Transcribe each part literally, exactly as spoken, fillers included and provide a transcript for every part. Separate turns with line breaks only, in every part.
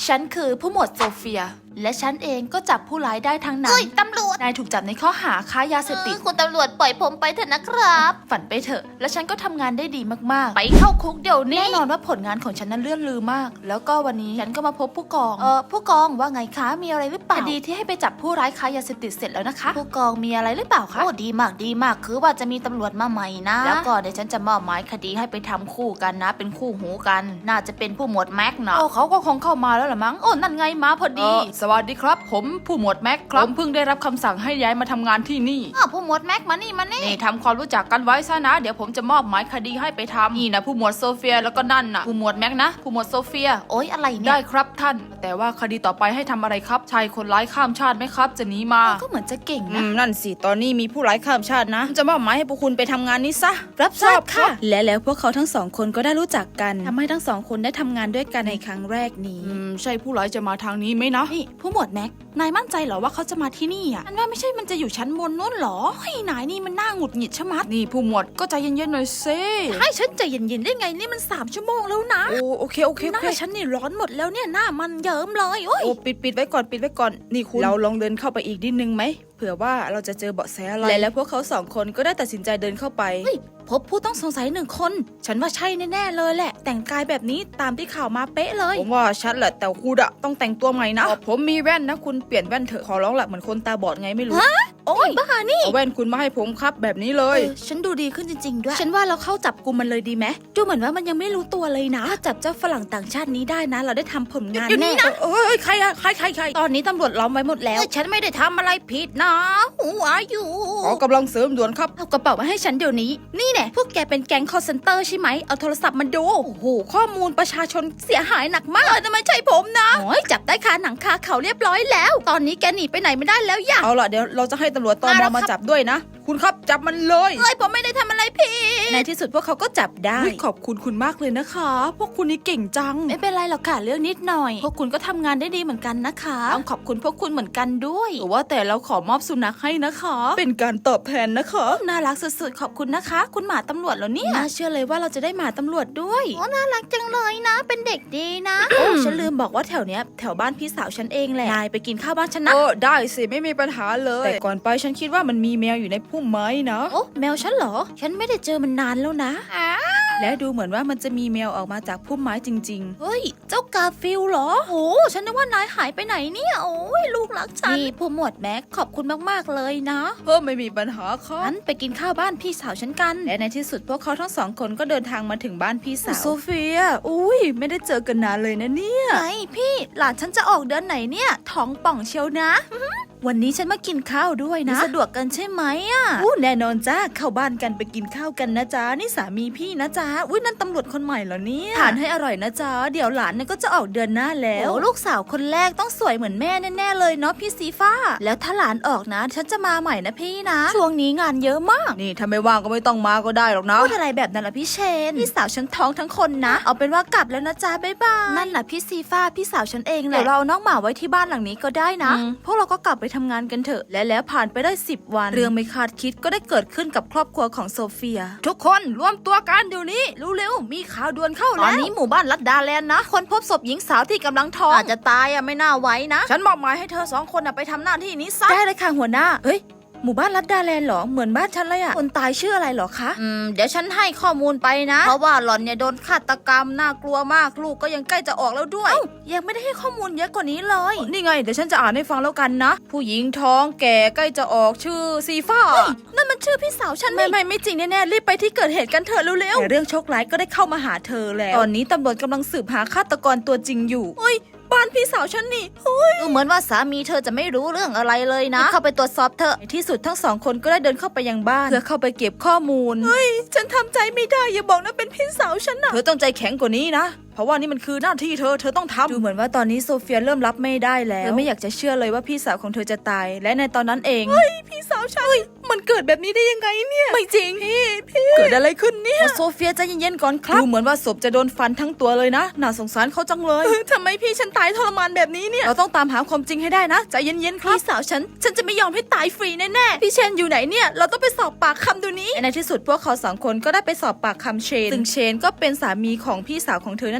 ฉันคือผู้หมวดโซเฟียและฉันเองก็จับผู้ร้ายได้ทั้งนั้น
เฮ้ยตำรวจ
นายถูกจับในข้อหาค้ายาเสพติด
คุณตำรวจปล่อยผมไปเถอะนะครับ
ฝันไปเถอะและฉันก็ทำงานได้ดีมากๆไปเข้าคุกเดี๋ยวนี้แน่นอนว่าผลงานของฉันนั้นเลื่อนลือมากแล้วก็วันนี้ฉันก็มาพบผู้กองเออผู้กองว่าไงคะมีอะไรหรือเปล่าคดีที่ให้ไปจับผู้ร้ายค้ายาเสพติดเสร็จแล้วนะคะผู้กองมีอะไรหรือเปล่าคะโอ้ดีมากดีมากคือว่าจะมีตำรวจมาใหม่นะแล้วก็เดี๋ยวฉันจะมอบหมายคดีให้ไปทำคู่กันนะเป็นคู่หูกันน่าจะเป็นผู้หมวดแม็กนะโอ้เขาก็คงเข้ามาแล้วละมั้งโอ้นั่นไงมาพอดีสวัสดีครับผมผู้หมวดแม็กครับผมเพิ่งได้รับคำสั่งให้ย้ายมาทำงานที่นี่
อ้าวผู้หมวดแม็กมานี่มานี่
นี่ทำความรู้จักกันไว้ซะนะเดี๋ยวผมจะมอบหมายคดีให้ไปทำนี่นะผู้หมวดโซเฟียแล้วก็นั่นนะผู้หมวดแม็กนะผู้หมวดโซเฟีย
โอ๊ยอะไรเนี่ย
ได้ครับท่านแต่ว่าคดีต่อไปให้ทำอะไรครับชายคนร้ายข้ามชาติไหมครับจะหนีมาก็เหมือนจะเก่งนะนั่นสิตอนนี้มีผู้ร้ายข้ามชาตินะจะมอบหมายให้พวกคุณไปทำงานนี้ซะรับทราบค่ะและแล้วพวกเขาทั้งสองคนก็ได้รู้จักกันทำให้ทั้งสองคนได้ทำงานด้วยกันในครั้งแรกนี้อืมใช่ผู้ร้ายจะมาทางนี้ไหมนะนี่ผู้หมวดแม็กนายมั่นใจเหรอว่าเขาจะมาที่นี่อ่ะอันว่าไม่ใช่มันจะอยู่ชั้นบนนู้นหรอเฮ้ยนายนี่มันน่าหงุดหงิดชะมัดนี่ผู้หมวดก็ใจเย็นๆหน่อยเซ่ให้ฉันใจเย็นๆได้ไงนี่มันสามชั่วโมงแล้วนะโอ้โอเคโอเคหน้าฉันนี่ร้อนหมดแล้วเนี่ยหน้ามันเยิ้มเลยโอ้ปิดปิดไว้ก่อนปิดไว้ก่อนนี่คุณเราลองเดินเข้าไปอีกนิดนึงไหมเผื่อว่าเราจะเจอเบาะแสอะไรแล้วพวกเขาสองคนก็ได้ตัดสินใจเดินเข้าไปพบผู้ต้องสงสัยหนึ่งคนฉันว่าใช่แน่ๆเลยแหละแต่งกายแบบนี้ตามที่ข่าวมาเป๊ะเลยผมว่าชัดแหละแต่คุณอะต้องแต่งตัวใหม่นะผมมีแว่นนะคุณเปลี่ยนแว่นเถอะขอร้องละเหมือนคนตาบอดไงไม่รู้โอ้ยบ้านี่เอาแว่นคุณมาให้ผมครับแบบนี้เลยฉันดูดีขึ้นจริงๆด้วยฉันว่าเราเข้าจับกุมมันเลยดีไหมดูเหมือนว่ามันยังไม่รู้ตัวเลยนะถ้าจับเจ้าฝรั่งต่างชาตินี้ได้นะเราได้ทำผลงานแน่เอ้ยใครอะใครใครใครตอนนี้ตำรวจล้อมไว้หมดแล้วฉันไม่ได้ทำอะไรผิดนะหัวอยู่ขอกำลังเสริมด่วนครับเอากระเป๋ามาให้ฉันเดี๋ยวนี้นี่แน่พวกแกเป็นแก๊ง call center ใช่ไหมเอาโทรศัพท์มาดูโอ้โหข้อมูลประชาชนเสียหายหนักมากแต่ไม่ใช่ผมนะโอ้ยจับได้คาหนังคาเขาเรียบร้อยแล้วตอนนี้แกหนีไปไหนไม่ได้แล้วอย่าเอาล่ะเดี๋ยวเราจะให้ตำรวจตม.มาจับด้วยนะคุณครับจับมันเลยเฮ้ยผมไม่ได้ทำอะไรผิดในที่สุดพวกเขาก็จับได้ขอบคุณคุณมากเลยนะคะพวกคุณนี่เก่งจังไม่เป็นไรหรอกค่ะเรื่องนิดหน่อยพวกคุณก็ทำงานได้ดีเหมือนกันนะคะต้องขอบคุณพวกคุณเหมือนกันด้วยแต่ว่าแต่เราขอมอบสุนัขให้นะคะเป็นการตอบแทนนะคะน่ารักสุดๆขอบคุณนะคะคุณหมาตำรวจแล้วเนี่ยน่าเชื่อเลยว่าเราจะได้หมาตำรวจด้วย
โอ้น่ารักจังเลยนะเป็นเด็กดีนะ
โอ้ฉันลืมบอกว่าแถวเนี้ยแถวบ้านพี่สาวฉันเองแหละนายไปกินข้าวบ้านฉันนะโอ้ได้สิไม่มีปัญหาเลยแต่ก่อนไปฉันคิดว่ามันมีแมวอยู่ในพุ่มไม้นะโอ้แมวฉันเหรอฉันไม่ได้เจอมันนานแล้วนะและดูเหมือนว่ามันจะมีแมวออกมาจากพุ่มไม้จริงๆเฮ้ยเจ้ากาฟิลเหรอโอ้ฉันนึกว่านายหายไปไหนเนี่ยโอ้ยลูกรักฉันนี่ผู้หมวดแม็กขอบคุณมากๆเลยนะเพิ่มไม่มีปัญหาครับงั้นไปกินข้าวบ้านพี่สาวฉันกันและในที่สุดพวกเขาทั้งสองคนก็เดินทางมาถึงบ้านพี่สาวโซเฟียอุ้ยไม่ได้เจอกันนานเลยนะเนี่ยไงพี่หลานฉันจะออกเดือนไหนเนี่ยท้องป่องเชียวนะวันนี้ฉันมากินข้าวด้วยนะสะดวกกันใช่ไหมอ่ะอู้แน่นอนจ้าเข้าบ้านกันไปกินข้าวกันนะจ๊ะนี่สามีพี่นะจ๊ะอุ้ยนั่นตำรวจคนใหม่เหรอเนี่ยทานให้อร่อยนะจ๊ะเดี๋ยวหลานเนี่ยก็จะออกเดือนหน้าแล้วโอ้ลูกสาวคนแรกต้องสวยเหมือนแม่แน่ๆเลยเนาะพี่ซีฟ้าแล้วถ้าหลานออกนะฉันจะมาใหม่นะพี่นะช่วงนี้งานเยอะมากนี่ถ้าไม่ว่างก็ไม่ต้องมาก็ได้หรอกนะพูดอะไรแบบนั้นล่ะพี่เชนพี่สาวฉันท้องทั้งคนนะเอาเป็นว่ากลับแล้วนะจ๊ะบ๊ายบายนั่นแหละพี่ซีฟ้าพี่สาวฉันเองแหละเดี๋ยวเราน้องหมาไว้ที่บ้านหลังนี้ก็ได้นะพวกเราก็กลับไปทำงานกันเถอะและแล้วผ่านไปได้สิบวันเรื่องไม่คาดคิดก็ได้เกิดขึ้นกับครอบครัวของโซเฟียทุกคนรวมตัวกันเดี๋ยวนี้เร็วๆมีข่าวด่วนเข้าแล้วตอนนี้หมู่บ้านลัดดาแลนด์นะคนพบศพหญิงสาวที่กำลังท้องอาจจะตายอ่ะไม่น่าไว้นะฉันมอบหมายให้เธอสองคนไปทำหน้าที่นี้ซะได้เลยค่ะหัวหน้าเฮ้ยหมู่บ้านลัดดาแลนด์เหรอเหมือนบ้านฉันเลยอะคนตายชื่ออะไรเหรอคะอืมเดี๋ยวฉันให้ข้อมูลไปนะเพราะว่าหล่อนเนี่ยโดนฆาตกรรมน่ากลัวมากลูกก็ยังใกล้จะออกแล้วด้วยยังไม่ได้ให้ข้อมูลเยอะกว่านี้เลยนี่ไงเดี๋ยวฉันจะอ่านให้ฟังแล้วกันนะผู้หญิงท้องแก่ใกล้จะออกชื่อซีฟ้านั่นมันชื่อพี่สาวฉันไม่ไม่ไม่จริงแน่ๆรีบไปที่เกิดเหตุกันเถอะเร็วๆแต่เรื่องโชคร้ายก็ได้เข้ามาหาเธอแล้วตอนนี้ตำรวจกำลังสืบหาฆาตกรตัวจริงอยู่เฮ้ยบ้านพี่สาวฉันนี่ดูเหมือนว่าสามีเธอจะไม่รู้เรื่องอะไรเลยนะเข้าไปตรวจสอบเธอในที่สุดทั้งสองคนก็ได้เดินเข้าไปยังบ้านเพื่อเข้าไปเก็บข้อมูลเฮ้ยฉันทำใจไม่ได้อย่าบอกนะเป็นพี่สาวฉันนะเธอต้องใจแข็งกว่านี้นะเพราะว่านี่มันคือหน้าที่เธอเธอต้องทำดูเหมือนว่าตอนนี้โซเฟียเริ่มรับไม่ได้แล้วเธอไม่อยากจะเชื่อเลยว่าพี่สาวของเธอจะตายและในตอนนั้นเองเฮ้ยพี่สาวฉันมันเกิดแบบนี้ได้ยังไงเนี่ยไม่จริงพี่พี่เกิดอะไรขึ้นเนี่ยโซเฟียใจเย็นๆก่อนครับดูเหมือนว่าศพจะโดนฟันทั้งตัวเลยนะน่าสงสารเขาจังเลยทำไมพี่ฉันตายทรมานแบบนี้เนี่ยเราต้องตามหาความจริงให้ได้นะใจเย็นๆครับพี่สาวฉันฉันจะไม่ยอมให้ตายฟรีแน่ๆพี่เชนอยู่ไหนเนี่ยเราต้องไปสอบปากคำดูนี้ในที่สุดพวกเขาสองคนก็ได้ไปสอบปากคำเชนซึ่งเชนก็เป็นสามีของพี่สาวของเธอนั่นเอง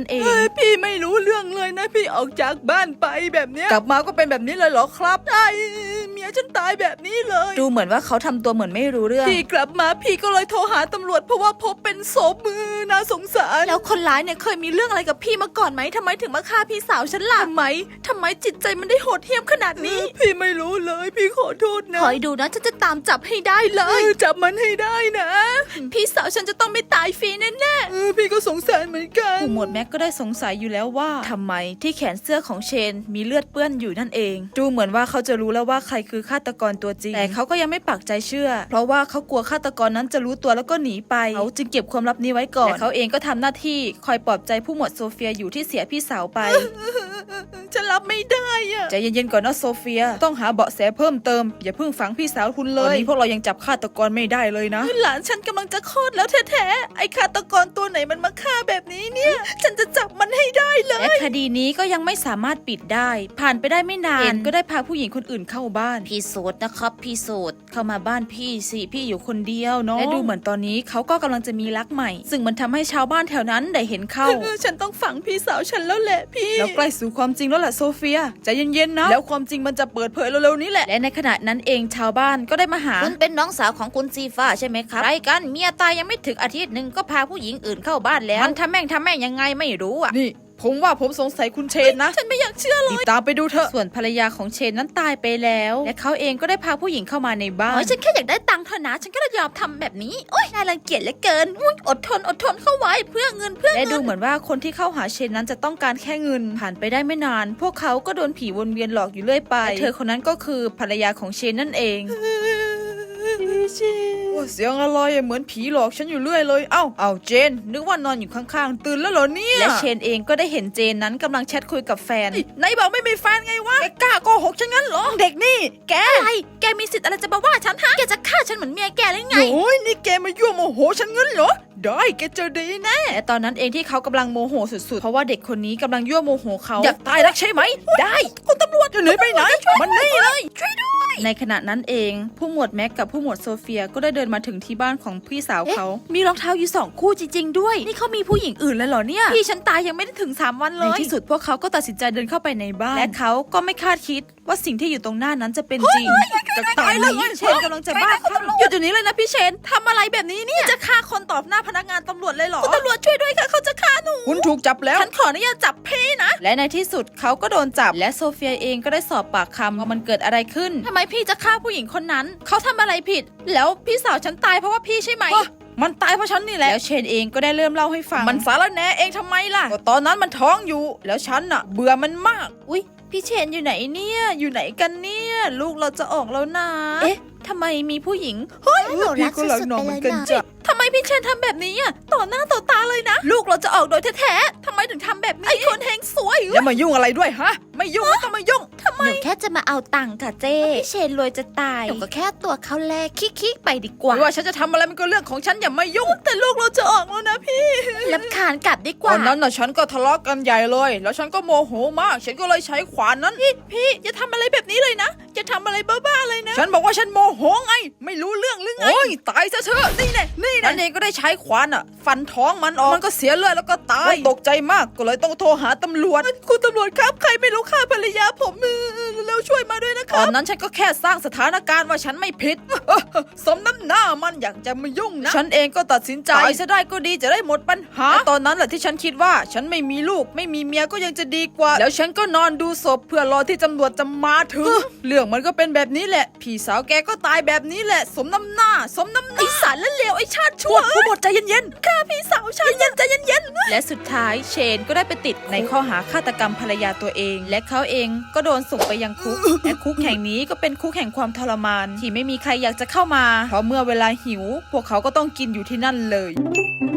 เองพี่ไม่รู้เรื่องเลยนะพี่ออกจากบ้านไปแบบเนี้ยกลับมาก็เป็นแบบนี้เลยเหรอครับไอ้เมียฉันตายแบบนี้เลยดูเหมือนว่าเขาทำตัวเหมือนไม่รู้เรื่องพี่กลับมาพี่ก็เลยโทรหาตำรวจเพราะว่าพบเป็นศพมือน่าสงสารแล้วคนร้ายเนี่ยเคยมีเรื่องอะไรกับพี่มาก่อนไหมทำไมถึงมาฆ่าพี่สาวฉันล่ะทำไมทำไมจิตใจมันได้โหดเหี้ยมขนาดนี้พี่ไม่รู้เลยพี่ขอโทษนะคอยดูนะฉันจะตามจับให้ได้เลยจับมันให้ได้นะพี่สาวฉันจะต้องไม่ตายฟรีแน่ๆพี่ก็สงสารเหมือนกันผู้หมวดแม็กก็ได้สงสัยอยู่แล้วว่าทำไมที่แขนเสื้อของเชนมีเลือดเปื้อนอยู่นั่นเองดูเหมือนว่าเขาจะรู้แล้วว่าใครคือฆาตกรตัวจริงแต่เขาก็ยังไม่ปักใจเชื่อเพราะว่าเขากลัวฆาตกรนั้นจะรู้ตัวแล้วก็หนีไปเขาจึงเก็บความลับนี้ไว้ก่อนแต่เขาเองก็ทำหน้าที่คอยปลอบใจผู้หมวดโซเฟียอยู่ที่เสียพี่สาวไป ฉันรับไม่ได้อะใจเย็นๆก่อนนะโซเฟียต้องหาเบาะแสเพิ่มเติมอย่าเพิ่งฝังพี่สาวคุณเลยตอนนี้พวกเรายังจับฆาตกรไม่ได้เลยนะหลานฉันกำลังจะคลอดแล้วแท้ๆไอ้ฆาตกรตัวไหนมันมาฆ่าแบบนี้เนี่ยฉันจะจับมันให้ได้เลยและคดีนี้ก็ยังไม่สามารถปิดได้ผ่านไปได้ไม่นานก็ได้พาผู้หญิงคนอื่นเข้าบ้านพี่โสดนะครับพี่โสดเข้ามาบ้านพี่สิพี่อยู่คนเดียวเนาะและดูเหมือนตอนนี้เขาก็กำลังจะมีรักใหม่ซึ่งมันทำให้ชาวบ้านแถวนั้นได้เห็นเข้า ฉันต้องฝังพี่สาวฉันแล้วแหละพี่แล้วใกล้สู่ความจริงแล้วแหละโซเฟียใจเย็นๆนะแล้วความจริงมันจะเปิดเผยเร็วๆนี้แหละและในขณะนั้นเองชาวบ้านก็ได้มาหาคุณเป็นน้องสาวของคุณซีฟ้าใช่ไหมครับไรกันเมียตายยังไม่ถึงอาทิตย์หนึ่งก็พาผู้หญิงอื่นเข้าบ้านแล้วมันทำแม่งทำแม่งยังไงไม่รู้อ่ะนี่ผมว่าผมสงสัยคุณเชนนะฉันไม่อยากเชื่อเลยตามไปดูเถอะส่วนภรรยาของเชนนั้นตายไปแล้วและเขาเองก็ได้พาผู้หญิงเข้ามาในบ้านโอ้ยฉันแค่อยากได้ตังค์เท่านั้นฉันก็เลยยอมทำแบบนี้โอ้ยน่ารังเกียจเหลือเกินอุ้ยอดทนอดทนเข้าไว้เพื่อเงินเพื่อเงินและดูเหมือนว่าคนที่เข้าหาเชนนั้นจะต้องการแค่เงินผ่านไปได้ไม่นานพวกเขาก็โดนผีวนเวียนหลอกอยู่เรื่อยไปและเธอคนนั้นก็คือภรรยาของเชนนั่นเองเสียงอะไรเหมือนผีหลอกฉันอยู่เรื่อยเลยเอ้าเอ้าเจนนึกว่านอนอยู่ข้างๆตื่นแล้วเหรอเนี่ยและเชนเองก็ได้เห็นเจนนั้นกำลังแชทคุยกับแฟนไหนบอกไม่มีแฟนไงวะแกกล้าโกหกฉันงั้นเหรอเด็กนี่แกอะไรแกมีสิทธิ์อะไรจะมาว่าฉันฮะแกจะฆ่าฉันเหมือนเมียแกหรือไงโอ้ยนี่แกมายั่วโมโหฉันงั้นเหรอได้แกเจอดีแน่และตอนนั้นเองที่เขากำลังโมโหสุดๆเพราะว่าเด็กคนนี้กำลังยั่วโมโหเขาอยากตายรักใช่ไหมได้คุณตำรวจจะหนีไปไหนมันนี่เลยช่วยด้วยในขณะนั้นเองผู้หมวดแม็กกับผู้หมวดโซเฟียก็ได้เดินมาถึงที่บ้านของพี่สาวเขามีรองเท้าอยู่สองคู่จริงๆด้วยนี่เขามีผู้หญิงอื่นเลยเหรอเนี่ยพี่ฉันตายยังไม่ได้ถึงสามวันเลยในที่สุดพวกเขาก็ตัดสินใจเดินเข้าไปในบ้านและเขาก็ไม่คาดคิดว่าสิ่งที่อยู่ตรงหน้านั้นจะเป็นจริงจากตอนนี้เชนกำลังจะบ้าหยุดอยู่นี้เลยนะพี่เชนทำอะไรแบบนี้เนี่ยจะฆ่าคนต่อหน้าพนักงานตำรวจเลยเหรอคุณตำรวจช่วยด้วยค่ะเขาจะฆ่าหนูคุณถูกจับแล้วฉันขออนุญาตจับพี่นะและในที่สุดเขาก็โดนจับและโซเฟียเองก็ได้สอบปากคำว่ามันเกิดอะไรขึ้นทำไมพี่จะฆ่าผู้หญิงคนนั้นเขาทำอะไรผิดแล้วพี่สาวฉันตายเพราะว่าพี่ใช่ไหมมันตายเพราะฉันนี่แหละแล้วเชนเองก็ได้เริ่มเล่าให้ฟังมันสารแหน่เองทำไมล่ะก็ตอนนั้นมันท้องอยู่แล้วฉันน่ะเบื่อมันมากอุ๊ยพี่เชนอยู่ไหนเนี่ยอยู่ไหนกันเนี่ยลูกเราจะออกแล้วนะเอ๊ะทำไมมีผู้หญิงเฮ้ยพี่ก็รักน้องเหมือนกันจ้ะทำไมพี่เชนทำแบบนี้อ่ะต่อหน้าต่อตาเลยนะลูกเราจะออกโดยแท้ๆทำไมถึงทำแบบนี้ไอ้คนเฮงสวยอย่ามายุ่งอะไรด้วยฮะไม่ยุ่งไม่ต้องมายุ่งทำไมหนูแค่จะมาเอาตังค์ค่ะเจ้พี่เชนรวยจะตายหนูก็แค่ตัวเขาแลกคิกๆไปดีกว่าไม่ว่าฉันจะทำอะไรมันก็เรื่องของฉันอย่ามายุ่งแต่ลูกเราจะออกแล้วนะพี่รำคาญกลับดีกว่าตอนนั้นน่ะฉันก็ทะเลาะกันใหญ่เลยแล้วฉันก็โมโหมากฉันก็เลยใช้ขวานนั้นพี่พี่อย่าทำอะไรแบบนี้เลยนะอย่าทำอะไรบ้าๆเลยนะฉันบอกว่าฉันโมโหไงไม่รู้เรื่องหรือไงโอ้ยตายซะเถอะนี่แน่นี่แน่นั่นเองก็ได้ใช้ขวานอ่ะฟันท้องมันออกมันก็เสียเลือดแล้วก็ตายตกใจมากก็เลยต้องโทรหาตำรวจคุณตำรวจครับใครไม่รู้ฆ่าภรรยาผมแล้วช่วยมาด้วยนะครับตอนนั้นฉันก็แค่สร้างสถานการณ์ว่าฉันไม่ผิดสมน้ำหน้ามันอยากจะมายุ่งนะฉันเองก็ตัดสินใจตายซะได้ก็ดีจะได้หมดปัญหาตอนนั้นแหละที่ฉันคิดว่าฉันไม่มีลูกไม่มีเมียก็ยังจะดีกว่าแล้วฉันก็นอนดูศพเพื่อรอที่ตำรวจจะมาถึงเรื่องมันก็เป็นแบบนี้แหละพี่สาวแกก็ตายแบบนี้แหละสมน้ำหน้าสมน้ำหน้าไอสารและเลวไอชาติชั่วผู้หมดใจเย็นๆฆ่าพี่สาวฉันเย็นใจเย็นๆและสุดท้ายเชนก็ได้ไปติดในข้อหาฆาตกรรมภรรยาตัวเองและเขาเองก็โดนส่งไปยังคุกและคุกแห่งนี้ก็เป็นคุกแห่งความทรมานที่ไม่มีใครอยากจะเข้ามาเพราะเมื่อเวลาหิวพวกเขาก็ต้องกินอยู่ที่นั่นเลย